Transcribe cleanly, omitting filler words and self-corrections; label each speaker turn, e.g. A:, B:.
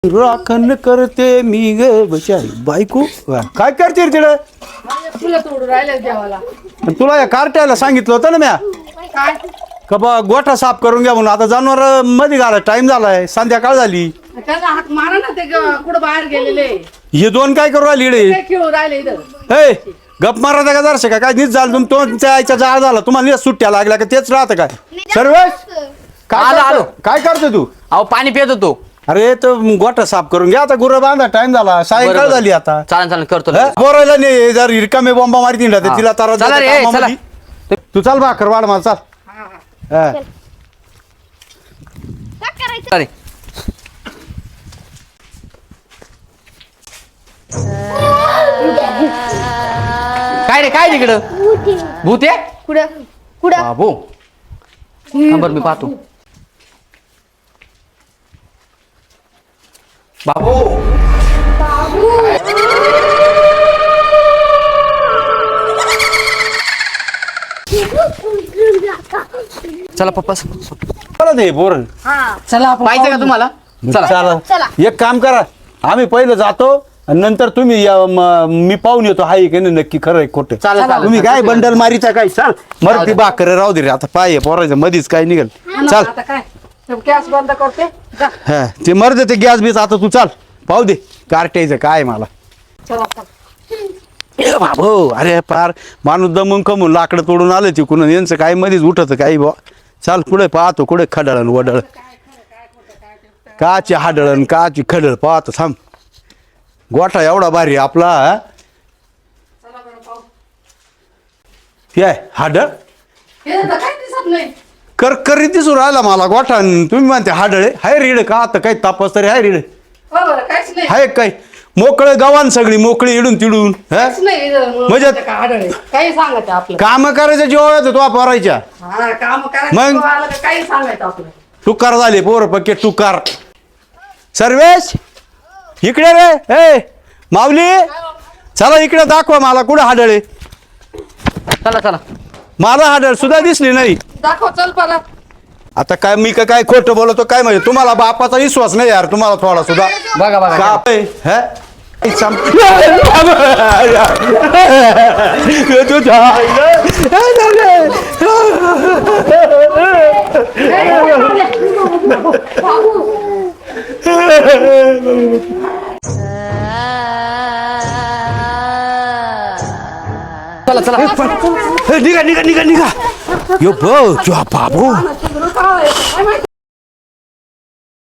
A: राखण करते मी ग बचारी बायको काय करते रे तिकडे
B: फुलं तोडून राहिले देवाला.
A: तुला या कार्ट्याला सांगितलं होतं ना म्या
B: काय
A: का बा गोठा साफ करून घ्या म्हणून आता जनावर मध्ये घाला टाइम झालाय संध्याकाळ झाली
B: त्याला हात मारा ना ते कुठं बाहेर गेलेले
A: हे दोन काय करू राहिली इकडे
B: ते खेळू राहिले इथं.
A: हे गप मारा का जरसे का काय नीट झालं तुमच्या आईचा जाळ झाला तुम्हाला नीट सुट्ट्या लागल्या का तेच राहतं काय सर्व काय करतो तू
C: अहो पाणी पित होतो.
A: अरे तो गोठा साफ करून घ्या आता गुरं बांधा टाइम झाला सायंकाळ
C: बरोबर.
A: झाली आता
C: चालेल चालेल करतो
A: हा? बोरायला नाही जर रिकामे बॉम्बा मारती ना
C: हा.
A: तिला तर
C: चला रे, चला.
A: तू चाल भाकर वाढ मला चाल हा.
C: अरे काय रे काय तिकडं भूत आहे
D: कुठं कुठं
C: बाबू नंबर मी पाहतो. बाबू चला पप्पा
A: चला ते बोर
B: चला आपण
C: पाहिजे का तुम्हाला चला
A: चला
D: चला.
A: एक काम करा आम्ही पहिलं जातो आणि नंतर तुम्ही या, मी पाहून येतो हाय की नाही नक्की खरं आहे खोटं
C: चालेल, चालेल.
A: तुम्ही काय बंडल मारीचा काय चाल मर ती भाकर राहू दे रे आता पाय पोरायचं मधीच काय निघेल चाल
B: आता काय गॅस बंद करते जा.
A: हा ते मर दे ते गॅस बीस आता तू चाल पाहू दे कार्ट्याचं काय मला
B: चला
A: ए बाबो अरे पार माणूस दमून कमून लाकडं तोडून आलं तिकडून यांचं काय मध्येच उठत काही बा चाल कुठे पाहतो कुठे खडळण वडळ काची हाडळण काची खडळ पाहतो थांब गोठा एवढा भारी आपला हा? हे आहे, हाडळ
B: हे तर काय दिसत नाही.
A: करकरी दिसून राहिला मला गोठा आणि तुम्ही म्हणते हाडळे हाय रीड का आता काही तापस तरी हाय रीड
B: हो बरं काहीच नाही
A: हाय काय मोकळे गव्हाण सगळी मोकळी इडून तिडून हा
B: काहीच नाही
A: म्हणजे-
B: काय आढळे काही सांगायचं आपलं
A: काम करायचं जेव्हा येतो तो पोरायच्या
B: हा काम
A: मग?
B: करायचं आलं का काही सांगायचं आपलं
A: टुकार झाले पोर पक्के टुकार सर्वेश इकडे रे ए माऊली चला इकडे दाखवा मला कुठे हाडळे
C: चला चला
A: मला हाडळ सुद्धा दिसली नाही
B: दाखव चल परत
A: आता काय मी काय खोटं बोलतो काय म्हणजे तुम्हाला बापाचा विश्वास नाही यार तुम्हाला थोडा सुद्धा
C: बघा बघा
A: का आहे? हे? तुझ्या
C: चला चला
A: निघा निघा निघा निघा यो बो तुझा बाबू